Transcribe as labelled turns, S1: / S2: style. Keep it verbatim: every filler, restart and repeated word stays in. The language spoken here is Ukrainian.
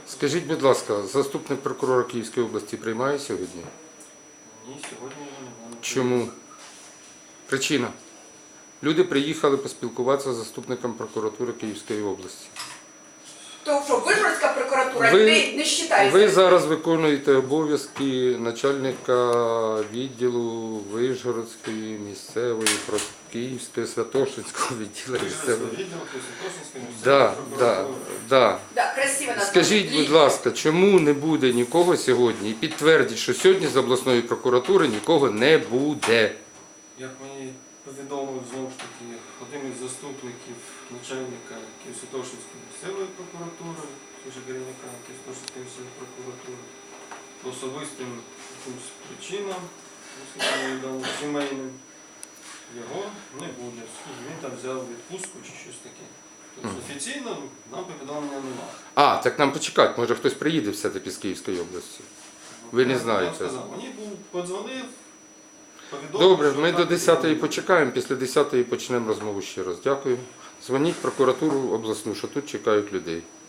S1: Скажіть, будь ласка, заступник прокурора Київської області приймає сьогодні?
S2: Ні, сьогодні я не можу.
S1: Чому? Причина. Люди приїхали поспілкуватися з заступником прокуратури Київської області.
S3: То що, Вишгородська прокуратура
S1: Ви-
S3: людей не вважається?
S1: Ви зараз виконуєте обов'язки начальника відділу Вишгородської місцевої про- Київської Святошинського відділу місцевої. Да, да, да.
S3: Да, красиво названо.
S1: Скажіть, будь ласка, чому не буде нікого сьогодні? І підтвердіть, що сьогодні з обласної прокуратури нікого не буде.
S2: Як мені повідомив знову ж таки один із заступників начальника Києво-Святошинської місцевої прокуратури, вже керівника Києво-Святошинської місцевої прокуратури, по особистим якимось причинам, наскільки мені відомо, сімейним, його не буде. Він там взяв відпустку чи щось таке. Тобто офіційно нам повідомлення немає.
S1: А, так нам почекати, може хтось приїде все-таки з Київської області. Ви не
S2: Я вам
S1: знаєте.
S2: сказав, Мені був подзвонив, повідомив,
S1: Добре,
S2: що
S1: ми
S2: так
S1: до
S2: і
S1: десятої
S2: буде.
S1: почекаємо, після десятої почнемо розмову ще раз. Дякую. Дзвоніть в прокуратуру обласну, що тут чекають людей.